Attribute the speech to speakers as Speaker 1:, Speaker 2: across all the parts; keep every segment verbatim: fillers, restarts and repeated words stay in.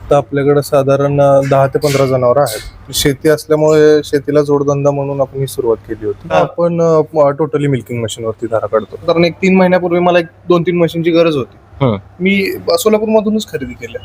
Speaker 1: आता आपल्याकडे साधारण दहा ते पंधरा जनावर आहेत. शेती असल्यामुळे शेतीला जोडधंदा म्हणून आपण ही सुरुवात केली होती. आपण टोटली मिल्किंग मशीन वरती धारा काढतो. कारण एक तीन महिन्यापूर्वी मला एक दोन तीन मशीनची गरज होती. मी सोलापूर मधूनच खरेदी केल्या.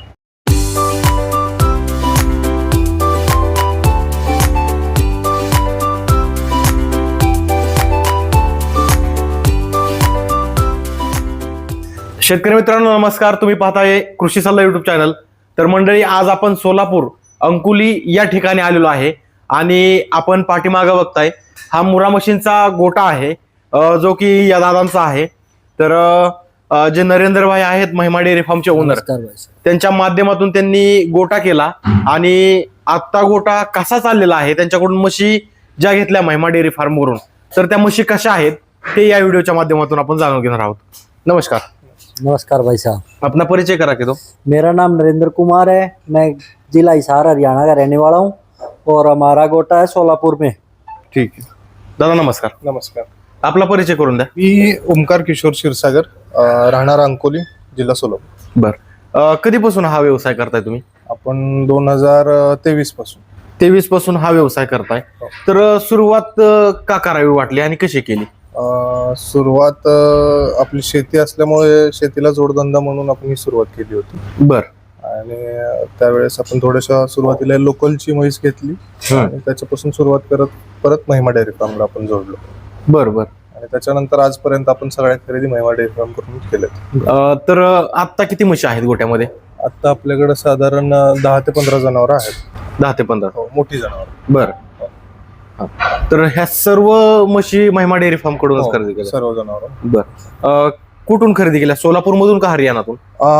Speaker 2: शेतकरी मित्रांनो नमस्कार. तुम्ही पाहताय कृषी सल्ला युट्यूब चॅनल. तर मंडळी, आज आपण सोलापूर अंकुली या ठिकाणी आलेलो आहे आणि आपण पाठीमागं बघताय हा मुरा मशीनचा गोटा आहे जो की या दादांचा आहे. तर जे नरेंद्र भाई आहेत महिमा डेअरी फार्मचे ओनर, त्यांच्या माध्यमातून त्यांनी गोटा केला आणि आता गोटा कसा चाललेला आहे, त्यांच्याकडून म्हशी ज्या घेतल्या महिमा डेअरी फार्म वरून, तर त्या म्हशी कशा आहेत ते या व्हिडिओच्या माध्यमातून आपण जाणून घेणार आहोत. नमस्कार.
Speaker 3: नमस्कार भाई साहब,
Speaker 2: अपना परिचय करा के दो.
Speaker 3: मेरा नाम नरेंद्र कुमार है. मैं जिला हिसार हरियाणा का रहने वाला हूँ और हमारा गोटा है सोलापुर में.
Speaker 2: ठीक है दादा, नमस्कार.
Speaker 1: नमस्कार.
Speaker 2: आपला परिचय करून द्या.
Speaker 1: मी ओमकार किशोर क्षीरसागर, राहणार अंकोली, जिल्हा सोलापूर.
Speaker 2: बर, कधीपासून हा व्यवसाय करताय तुम्ही?
Speaker 1: आपण दोन हजार तेवीस पासून
Speaker 2: तेवीस पासून हा व्यवसाय करताय. तर सुरुवात का करावी वाटली आणि कशी केली?
Speaker 1: सुरुवात आपली शेती असल्यामुळे शेतीला जोडधंदा म्हणून आपण ही सुरुवात केली होती.
Speaker 2: बर.
Speaker 1: आणि त्यावेळेस आपण थोड्याशा सुरुवातीला लोकलची म्हैस घेतली आणि त्याच्यापासून सुरुवात करत परत महिमा डेअरी फार्मला आपण जोडलो.
Speaker 2: बर बर.
Speaker 1: आणि त्याच्यानंतर आजपर्यंत आपण सगळ्या खरेदी महिमा डेअरी फार्म करून केल्यात.
Speaker 2: तर आता किती म्हशी आहेत गोट्यामध्ये?
Speaker 1: आता आपल्याकडे साधारण दहा ते पंधरा जनावर आहेत.
Speaker 2: दहा ते पंधरा
Speaker 1: मोठी जनावर.
Speaker 2: बर. तर ह्या सर्व म्हशी महिमा डेअरी फार्म कडूनच खरेदी केल्या?
Speaker 1: सर्व जनावर.
Speaker 2: बर. कुठून खरेदी केल्या? सोलापूर मधून का हरियाणातून?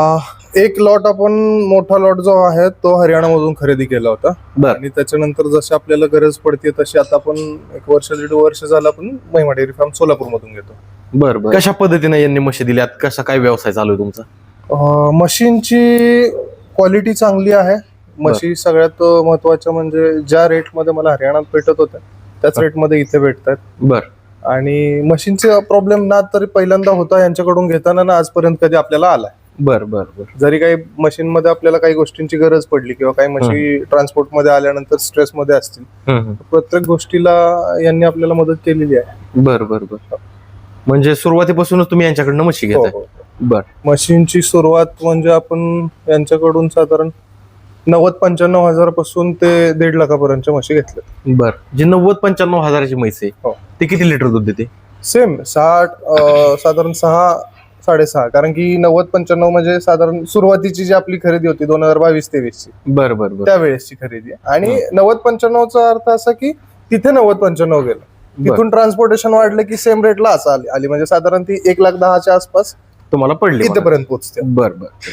Speaker 1: एक लॉट आपण मोठा लॉट जो आहे तो हरियाणा मधून खरेदी केला होता. आणि त्याच्यानंतर जशी आपल्याला गरज पडते तशी आता आपण एक वर्ष दीड वर्ष झालं आपण महिमा डेअरी फार्म सोलापूर मधून घेतो.
Speaker 2: बर बर. कशा पद्धतीने यांनी म्हशी दिल्यात? कसा काय व्यवसाय चालू आहे तुमचा?
Speaker 1: मशीनची क्वालिटी चांगली आहे. म्हशी सगळ्यात महत्वाच्या म्हणजे ज्या रेट मध्ये मला हरियाणात भेटत होत्या त्याच रेट मध्ये इथे भेटतात.
Speaker 2: बर.
Speaker 1: आणि मशीनचा प्रॉब्लेम ना तरी पहिल्यांदा होता यांच्याकडून घेताना ना आजपर्यंत कधी आपल्याला आलाय.
Speaker 2: बर बर बर.
Speaker 1: जरी काही मशीन मध्ये आपल्याला काही गोष्टींची गरज पडली किंवा काही म्हशी ट्रान्सपोर्ट मध्ये आल्यानंतर स्ट्रेस मध्ये असतील, प्रत्येक गोष्टीला यांनी आपल्याला मदत केलेली आहे.
Speaker 2: बर बर बर. म्हणजे सुरुवातीपासूनच तुम्ही यांच्याकडनं म्हशी घेताय? बर.
Speaker 1: मशीनची सुरुवात म्हणजे आपण यांच्याकडून साधारण नव्वद पंच्याण्णव हजार पासून ते दीड लाखापर्यंतच्या म्हशी घेतल्या.
Speaker 2: बर. जी नव्वद पंच्याण्णव हजाराची म्हैस आहे ती किती लिटर दूध देते?
Speaker 1: सेम साठ, साधारण सहा साडेसहा. कारण की नव्वद पंच्याण्णव म्हणजे साधारण सुरुवातीची जी आपली खरेदी होती दोन हजार बावीस तेवीस ची,
Speaker 2: बर बर बर,
Speaker 1: त्यावेळेसची खरेदी. आणि नव्वद पंच्याण्णवचा अर्थ असा की तिथे नव्वद पंच्याण्णव गेलं, तिथून ट्रान्सपोर्टेशन वाढलं की सेम रेटला असं आली आली म्हणजे साधारण ती एक लाख दहाच्या आसपास
Speaker 2: तुम्हाला पडली,
Speaker 1: इथेपर्यंत पोहोचते.
Speaker 2: बर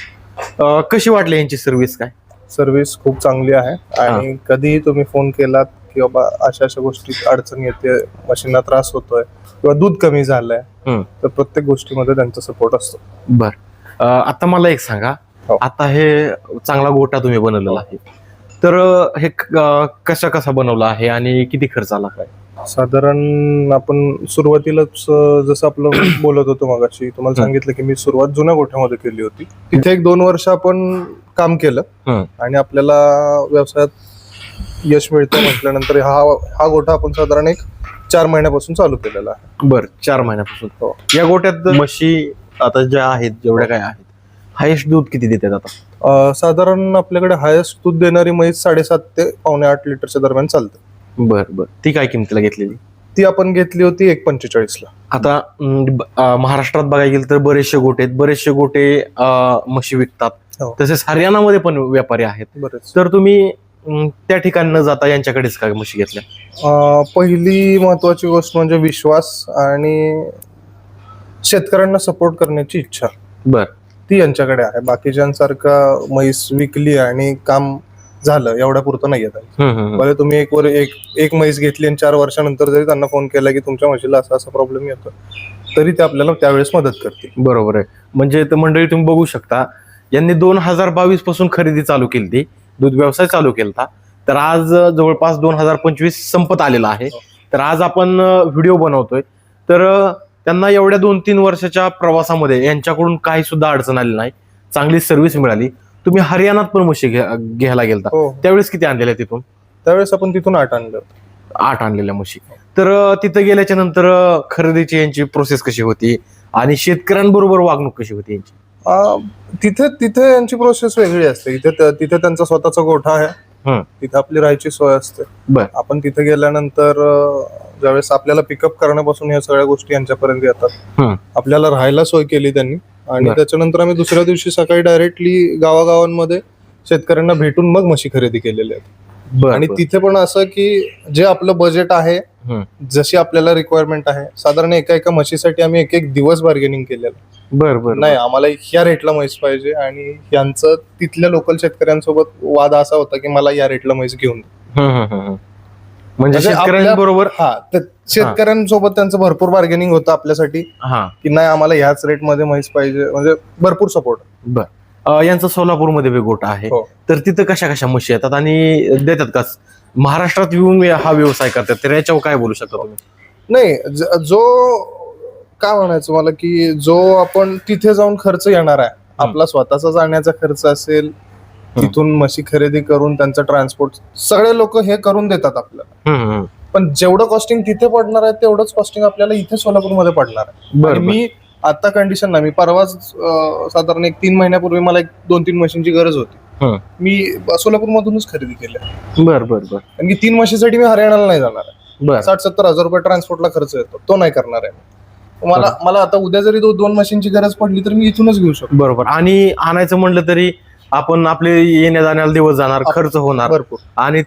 Speaker 2: बर. कशी वाटली यांची सर्व्हिस? काय
Speaker 1: सर्व्हिस खूप चांगली आहे. आणि कधीही तुम्ही फोन केलात की बाबा अशा अशा गोष्टीत अडचण येते, मशीनला त्रास होतोय किंवा दूध कमी झालंय, तर प्रत्येक गोष्टीमध्ये त्यांचा सपोर्ट असतो.
Speaker 2: बर. आता मला एक सांगा, आता हे चांगला गोटा तुम्ही बनवलेला आहे, तर हे कशा कसा बनवला आहे आणि किती खर्च आला? काय
Speaker 1: साधारण आपण सुरुवातीलाच जसं आपलं बोलत होतो मगाशी, तुम्हाला सांगितलं की मी सुरुवात जुन्या गोठ्यामध्ये केली होती. तिथे एक दोन वर्ष आपण काम केलं आणि आपल्याला व्यवसायात यश मिळतं म्हटल्यानंतर हा हा गोठा आपण साधारण एक चार महिन्यापासून चालू केलेला आहे.
Speaker 2: बर. चार महिन्यापासून. या गोट्यात म्हशी आता ज्या आहेत, जेवढ्या काय आहेत, हायेस्ट दूध किती देतात आता?
Speaker 1: साधारण आपल्याकडे हायेस्ट दूध देणारी म्हैस साडेसात ते पावणे आठ लिटरच्या दरम्यान चालते.
Speaker 2: बर बर. ती काय किमतीला घेतलेली?
Speaker 1: ती आपण घेतली होती एक पंचेचाळीस ला.
Speaker 2: आता महाराष्ट्रात बघायला गेलं तर बरेचसे गोटे आहेत, बरेचसे गोटे म्हशी विकतात. तसेच हरियाणामध्ये पण व्यापारी आहेत बरेच. तर तुम्ही त्या ठिकाणी न जाता यांच्याकडेच काय म्हशी घेतल्या?
Speaker 1: पहिली महत्वाची गोष्ट म्हणजे विश्वास आणि शेतकऱ्यांना सपोर्ट करण्याची इच्छा.
Speaker 2: बर.
Speaker 1: ती यांच्याकडे आहे. बाकीच्यांसारखा म्हैस विकली आणि काम झालं एवढ्या पुरतं नाही येत. बरं, तुम्ही एक वर एक एक म्हैस घेतली आणि चार वर्षानंतर जरी त्यांना फोन केला की तुमच्या म्हशीला असा असा प्रॉब्लेम येतो, तरी ते आपल्याला त्यावेळेस मदत करतील.
Speaker 2: बरोबर आहे. म्हणजे मंडळी तुम्ही बघू शकता, यांनी दोन हजार बावीस पासून खरेदी चालू केली, ती दूध व्यवसाय चालू केला. तर आज जवळपास दोन हजार पंचवीस संपत आलेला आहे. तर आज आपण व्हिडिओ बनवतोय. तर त्यांना एवढ्या दोन तीन वर्षाच्या प्रवासामध्ये यांच्याकडून काही सुद्धा अडचण आली नाही, चांगली सर्व्हिस मिळाली. तुम्ही हरियाणात पण म्हशी घ्या- घ्यायला गेलता,
Speaker 1: हो
Speaker 2: त्यावेळेस किती आणलेल्या तिथून?
Speaker 1: त्यावेळेस आपण तिथून आठ आणलं होतं.
Speaker 2: आठ आणलेल्या म्हशी. तर अं, तिथं गेल्याच्या नंतर अं, खरेदीची यांची प्रोसेस कशी होती आणि शेतकऱ्यांबरोबर वागणूक कशी होती यांची?
Speaker 1: आ, तिथे तिथे यांची प्रोसेस वेगळी असते. इथे त्या- तिथे त्यांचा स्वतःचा गोठा आहे,
Speaker 2: हं.
Speaker 1: तिथे आपली राहायची सोय असते.
Speaker 2: बर.
Speaker 1: आपण तिथे गेल्यानंतर अ, ज्यावेळेस आपल्याला पिकअप करण्यापासून या सगळ्या गोष्टी यांच्यापर्यंत येतात.
Speaker 2: हं.
Speaker 1: आपल्याला राहायला सोय केली त्यांनी आणि
Speaker 2: बर.
Speaker 1: त्याच्यानंतर आम्ही दुसऱ्या दिवशी सकाळी डायरेक्टली गावागावांमध्ये शेतकऱ्यांना भेटून मग म्हशी खरेदी केलेल्या आहेत.
Speaker 2: बर,
Speaker 1: आणि
Speaker 2: बर.
Speaker 1: तिथे पण असं की जे आपलं बजेट आहे,
Speaker 2: हं.
Speaker 1: जशी आपल्याला रिक्वायरमेंट आहे, साधारण एका एका म्हशीसाठी आम्ही एक एक दिवस बार्गेनिंग केलेलं.
Speaker 2: बर बर
Speaker 1: नाही आम्हाला ह्या रेटला म्हैस पाहिजे आणि यांचं तिथल्या लोकल शेतकऱ्यांसोबत वाद असा होता की मला या रेटला म्हैस घेऊन दे.
Speaker 2: हं, हं, हं, हं. म्हणजे
Speaker 1: म्हणजे
Speaker 2: शेतकऱ्यांबरोबर
Speaker 1: हा तर शेतकऱ्यांसोबत त्यांचं भरपूर बार्गेनिंग होतं आपल्यासाठी
Speaker 2: हा.
Speaker 1: की नाही आम्हाला ह्याच रेटमध्ये म्हैस पाहिजे, म्हणजे भरपूर सपोर्ट.
Speaker 2: बर. अं, यांचा सोलापूरमध्ये बी गोठा आहे,
Speaker 1: हो.
Speaker 2: तर तिथं कशा कशा म्हशी येतात आणि देतात का? महाराष्ट्रात येऊन हा व्यवसाय करतात, तर याच्यावर काय बोलू शकता तुम्ही?
Speaker 1: नाही ज- जो काय म्हणायचं मला की जो आपण तिथे जाऊन खर्च येणार आहे, आपला स्वतःचा जाण्याचा खर्च असेल, तिथून म्हशी खरेदी करून त्यांचं ट्रान्सपोर्ट सगळे लोक हे करून देतात आपल्याला.
Speaker 2: हं, हं.
Speaker 1: पण जेवढं कॉस्टिंग तिथे पडणार आहे तेवढंच कॉस्टिंग आपल्याला इथे सोलापूरमध्ये पडणार आहे.
Speaker 2: बर,
Speaker 1: आणि मी आता कंडिशन ना मी परवाच अं, साधारण एक तीन महिन्यापूर्वी मला एक दोन तीन म्हशींची गरज होती.
Speaker 2: हं.
Speaker 1: मी सोलापूरमधूनच खरेदी केली,
Speaker 2: बर बर बर
Speaker 1: कारण की तीन म्हशीसाठी मी हरियाणाला नाही जाणार आहे.
Speaker 2: बर.
Speaker 1: साठ सत्तर हजार रुपये ट्रान्सपोर्टला खर्च येतो, तो नाही करणार आहे. मला मला आता उद्या जरी दो- दोन मशीनची गरज पडली तर मी इथूनच घेऊ शकतो.
Speaker 2: बरोबर. आणि आणायचं म्हणलं तरी आपण आपले येण्या जाण्याला दिवस जाणार, खर्च होणार,
Speaker 1: भरपूर.
Speaker 2: आणि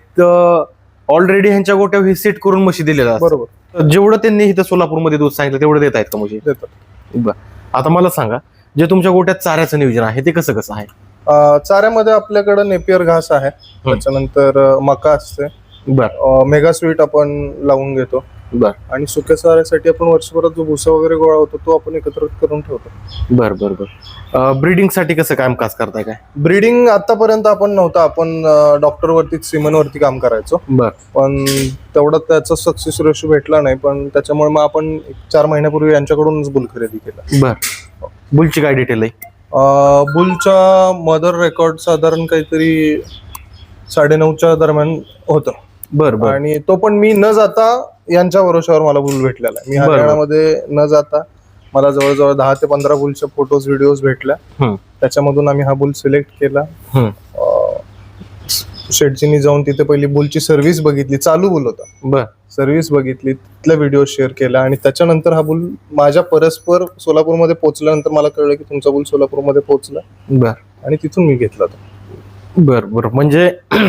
Speaker 2: ऑलरेडी ह्यांच्या गोट्यावर हे सेट करून म्हशी दिलेल्या असतात.
Speaker 1: बरोबर
Speaker 2: तर जेवढं त्यांनी इथं सोलापूरमध्ये दूध सांगितलं तेवढं देत आहेत का म्हशी?
Speaker 1: देतात.
Speaker 2: बर. आता मला सांगा, जे तुमच्या गोट्यात चाऱ्याचं नियोजन आहे ते कसं कसं आहे?
Speaker 1: अं, चाऱ्यामध्ये आपल्याकडे नेपियर घास आहे, त्याच्यानंतर अं, मका असते,
Speaker 2: बर
Speaker 1: मेगा स्वीट आपण लावून घेतो,
Speaker 2: बर
Speaker 1: आणि सुक्या चाऱ्यासाठी आपण वर्षभरात जो भुसा वगैरे गोळा होतो तो आपण एकत्र करून ठेवतो.
Speaker 2: बर बर बर. ब्रीडिंग साठी कसं कामकाज करताय काय?
Speaker 1: ब्रीडिंग आतापर्यंत आपण नव्हतं, आपण डॉक्टर वरती सिमन वरती काम करायचो,
Speaker 2: बर.
Speaker 1: पण तेवढा त्याचा सक्सेस रेशो भेटला नाही. पण त्याच्यामुळे मग आपण एक चार महिन्यापूर्वी यांच्याकडूनच बुल खरेदी केला.
Speaker 2: बर. बुलची काय डिटेल आहे?
Speaker 1: अं, बुलचा मदर रेकॉर्ड साधारण काहीतरी साडेनऊच्या दरम्यान होतं.
Speaker 2: बर बर.
Speaker 1: आणि तो पण मी न जाता यांच्या भरोशावर मला बुल भेटलेला आहे. मी
Speaker 2: बरोबर.
Speaker 1: हरियाणामध्ये न जाता मला जवळजवळ दहा ते पंधरा बुलच्या फोटोज व्हिडिओज भेटल्या.
Speaker 2: हं.
Speaker 1: त्याच्यामधून आम्ही हा बुल सिलेक्ट केला.
Speaker 2: हं.
Speaker 1: शेटजीनी जाऊन तिथे पहिली बुलची सर्व्हिस बघितली, चालू बुल होता,
Speaker 2: बर.
Speaker 1: सर्व्हिस बघितली, तिथला व्हिडिओ शेअर केला आणि त्याच्यानंतर हा बुल माझ्या परस्पर सोलापूरमध्ये पोहोचल्यानंतर मला कळलं की तुमचा बुल सोलापूरमध्ये पोहोचला,
Speaker 2: बर
Speaker 1: आणि तिथून मी घेतला तो.
Speaker 2: बर बर. म्हणजे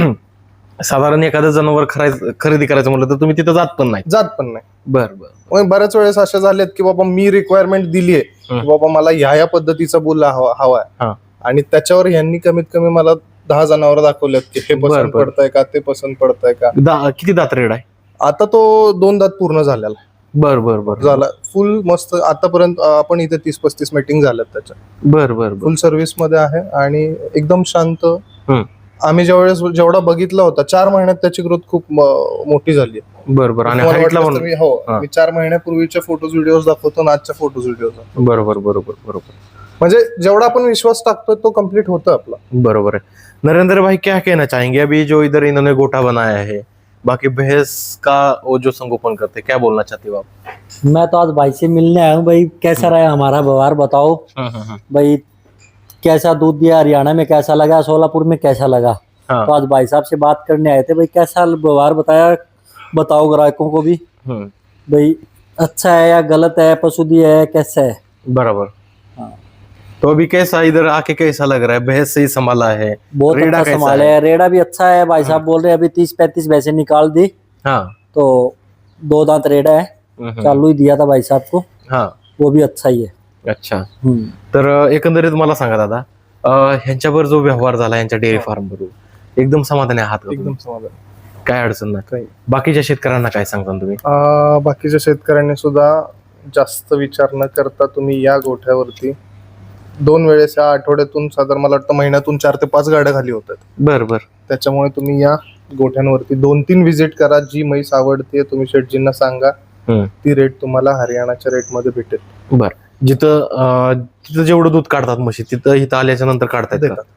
Speaker 2: साधारण एखादं जनावर खरायचं खरेदी करायचं म्हटलं तर तुम्ही तिथं जात पण नाही?
Speaker 1: जात पण नाही.
Speaker 2: बर बर.
Speaker 1: मग बऱ्याच वेळेस अशा झाल्यात की बाबा मी रिक्वायरमेंट दिलीये
Speaker 2: हं.
Speaker 1: की बाबा मला ह्या ह्या पद्धतीचा बुल हवा हवाय,
Speaker 2: हा.
Speaker 1: आणि त्याच्यावर यांनी कमीत कमी मला दहा जनावर दाखवल्यात की हे
Speaker 2: बर,
Speaker 1: पसंत
Speaker 2: बर.
Speaker 1: पडतंय का, ते पसंत पडतंय का.
Speaker 2: दा- किती दात रेड आहे?
Speaker 1: आता तो दोन दात पूर्ण झालेला
Speaker 2: बर बर बर.
Speaker 1: झाला फुल मस्त. आतापर्यंत अं, आपण इथे तीस पस्तीस मीटिंग झाल्यात त्याच्या.
Speaker 2: बर बर बर.
Speaker 1: फुल सर्व्हिस मध्ये आहे आणि एकदम शांत.
Speaker 2: हं.
Speaker 1: आम्ही ज्यावेळेस जेवढा बघितला होता चार महिन्यात त्याची ग्रोथ खूप म- मोठी झाली.
Speaker 2: बर बर. आणि
Speaker 1: तुम्हाला
Speaker 2: हाईटला
Speaker 1: वाटलंच
Speaker 2: पण?
Speaker 1: तर मी- हो
Speaker 2: हा.
Speaker 1: मी चार महिन्यापूर्वीच्या फोटोज व्हिडिओज दाखवतो आणि आजच्या फोटोज व्हिडिओज दाखवतो.
Speaker 2: बरोबर बरोबर बरोबर.
Speaker 1: म्हणजे जेवढा आपण विश्वास टाकतोय तो कम्प्लीट होतं आपला.
Speaker 2: बरोबर है। नरेंद्र भाई, क्या कहना चाहेंगे अभी जो इधर इन्होंने गोटा बनाया है, बाकी भैंस का वो जो संगोपन करते, क्या बोलना चाहते हो आप?
Speaker 3: मैं तो आज भाई से मिलने आया हूँ। भाई कैसा रहा हमारा व्यवहार बताओ भाई, कैसा दूध दिया, हरियाणा में कैसा लगा, सोलापुर में कैसा लगा।
Speaker 2: हाँ।
Speaker 3: तो आज भाई साहब से बात करने आए थे, भाई कैसा व्यवहार बताया, बताओ ग्राहकों को भी
Speaker 2: हम्म,
Speaker 3: भाई अच्छा है या गलत है, पसुदी है कैसा है।
Speaker 2: बराबर।
Speaker 3: हाँ।
Speaker 2: तो अभी कैसा इधर आके कैसा लग रहा है? भैंस सही संभाला है?
Speaker 3: बहुत
Speaker 2: रेडा
Speaker 3: अच्छा
Speaker 2: कैसा
Speaker 3: संभाला
Speaker 2: है?
Speaker 3: है, रेडा भी अच्छा है। भाई साहब बोल रहे हैं अभी तीस पैंतीस भैंसे निकाल दी,
Speaker 2: हाँ।
Speaker 3: तो दो दांत रेडा है,
Speaker 2: हम्म,
Speaker 3: चालू ही दिया था भाई साहब को,
Speaker 2: हाँ।
Speaker 3: वो भी अच्छा ही है।
Speaker 2: अच्छा,
Speaker 3: हम्म।
Speaker 2: तर एकंदरीत मला सांगा दादा, अं, ह्यांच्यावर जो व्यवहार झाला यांच्या डेअरी फार्म बरोबर, एकदम समाधानी आहात का
Speaker 1: एकदम
Speaker 2: तुम्ही?
Speaker 1: समाधान.
Speaker 2: काय अडचण नाही?
Speaker 1: काही.
Speaker 2: बाकीच्या शेतकऱ्यांना काय सांगता तुम्ही?
Speaker 1: अं, बाकीच्या शेतकऱ्यांनी सुद्धा जास्त विचार न करता तुम्ही या गोठ्यावरती दोन वेळेस या आठवड्यातून साधारण मला वाटतं महिन्यातून चार ते पाच गाड्या खाली होतात.
Speaker 2: बर बर.
Speaker 1: त्याच्यामुळे तुम्ही या गोठ्यांवरती दोन तीन व्हिजिट करा. जी म्हैस आवडते तुम्ही शेटजींना सांगा,
Speaker 2: हम्म.
Speaker 1: ती रेट तुम्हाला हरियाणाच्या रेटमध्ये भेटेल.
Speaker 2: बर. जिथं अं, तिथं जेवढं दूध काढतात म्हशी, तिथं इथं आल्याच्या नंतर काढतात का?
Speaker 1: देतात.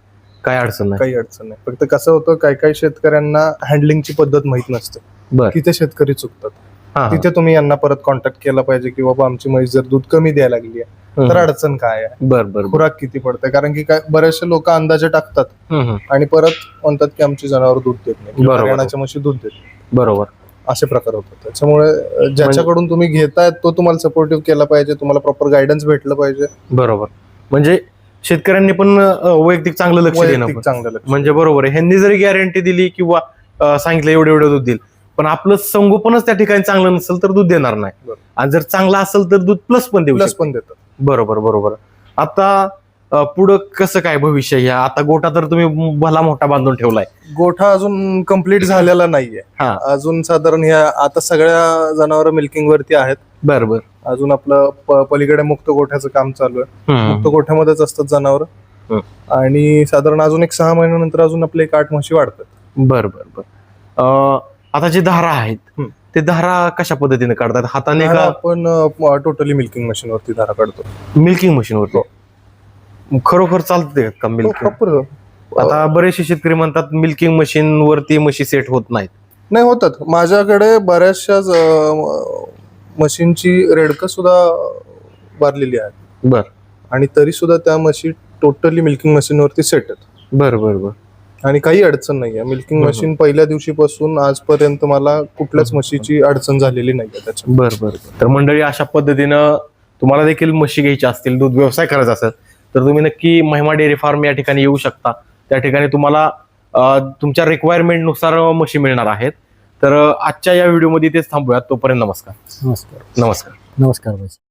Speaker 2: काय अडचण नाही.
Speaker 1: काही अडचण नाही. फक्त कसं होतं, काही काही शेतकऱ्यांना हँडलिंगची पद्धत माहित नसते,
Speaker 2: बर
Speaker 1: तिथे शेतकरी चुकतात.
Speaker 2: हा, हा.
Speaker 1: तिथे तुम्ही यांना परत कॉन्टॅक्ट केला पाहिजे की बाबा आमची म्हैस जर दूध कमी द्यायला लागली आहे
Speaker 2: हम्म,
Speaker 1: तर अडचण काय आहे,
Speaker 2: बर बर बर.
Speaker 1: खुराक किती पडते. कारण की काय बरेचसे लोक अंदाजे टाकतात
Speaker 2: हम्म, हम्म.
Speaker 1: आणि परत म्हणतात की आमची जनावर दूध देत नाही किंवा
Speaker 2: बरोबर.
Speaker 1: हरियाणाच्या म्हशी दूध देत नाही.
Speaker 2: बरोबर.
Speaker 1: असे प्रकार होतात. त्याच्यामुळे अं, ज्याच्याकडून तुम्ही घेताय तो तुम्हाला सपोर्टिव्ह केला पाहिजे, तुम्हाला प्रॉपर गायडन्स भेटलं पाहिजे.
Speaker 2: बरोबर. म्हणजे शेतकऱ्यांनी पण अं, वैयक्तिक चांगलं लक्ष देणं
Speaker 1: वैयक्तिक
Speaker 2: पण.
Speaker 1: चांगलं लक्ष.
Speaker 2: म्हणजे बरोबर आहे. ह्यांनी जरी गॅरंटी दिली किंवा अं, सांगितलं एवढं एवढं दूध देईल, पण आपलं संगोपनच त्या ठिकाणी चांगलं नसेल तर दूध देणार नाही.
Speaker 1: बरोबर.
Speaker 2: आणि जर चांगलं असेल तर दूध प्लस पण देऊ
Speaker 1: प्लस
Speaker 2: शकतो.
Speaker 1: पण देतात.
Speaker 2: बरोबर बरोबर. आता अं, पुढं कसं काय भविष्य ह्या, आता गोठा तर तुम्ही भला मोठा बांधून ठेवलाय.
Speaker 1: गोठा अजून कम्प्लीट झालेला नाहीये.
Speaker 2: हा.
Speaker 1: अजून साधारण ह्या आता सगळ्या जनावर मिल्किंग वरती आहेत.
Speaker 2: बर बर.
Speaker 1: अजून आपलं प- पलीकडे मुक्त गोठ्याचं काम चालू आहे.
Speaker 2: हम्म.
Speaker 1: मुक्त गोठ्यामध्येच असतात जनावर.
Speaker 2: हं.
Speaker 1: आणि साधारण अजून एक सहा महिन्यानंतर अजून आपले एक आठ म्हशी वाढतात.
Speaker 2: बर बर बर. अं, आता जे धारा आहेत
Speaker 1: हम्म.
Speaker 2: ते धारा कशा पद्धतीने काढतात, हाताने
Speaker 1: धारा
Speaker 2: का
Speaker 1: आपण टोटली मिल्किंग मशीन वरती धारा काढतो.
Speaker 2: मिल्किंग मशीनवरती? खरोखर चालते का मिल्किंग?
Speaker 1: प्रॉपर
Speaker 2: आता बरेचसे शेतकरी म्हणतात मिल्किंग मशीन वरती म्हशी सेट होत नाहीत.
Speaker 1: नाही होतात. माझ्याकडे बऱ्याचशा मशीनची रेडकं सुद्धा भरलेली आहे
Speaker 2: बर
Speaker 1: आणि तरी सुद्धा त्या म्हशी टोटली मिल्किंग मशीन वरती सेट आहेत
Speaker 2: बर बर बर.
Speaker 1: आणि काही अडचण नाहीये. मिल्किंग
Speaker 2: हम्म.
Speaker 1: मशीन पहिल्या दिवशीपासून आजपर्यंत मला कुठल्याच म्हशीची अडचण झालेली नाहीये त्याच्यात.
Speaker 2: बर बर. तर मंडळी, अशा पद्धतीनं तुम्हाला देखील म्हशी घ्यायची असतील, दूध व्यवसाय करायचा असेल तर तुम्ही नक्की महिमा डेअरी फार्म या ठिकाणी येऊ शकता. त्या ठिकाणी तुम्हाला अं, तुमच्या रिक्वायरमेंट नुसार म्हशी मिळणार आहेत. तर अं, आजच्या या व्हिडिओमध्ये तेच थांबूयात. तोपर्यंत नमस्कार.
Speaker 3: नमस्कार
Speaker 2: नमस्कार.
Speaker 3: नमस्कार भाई.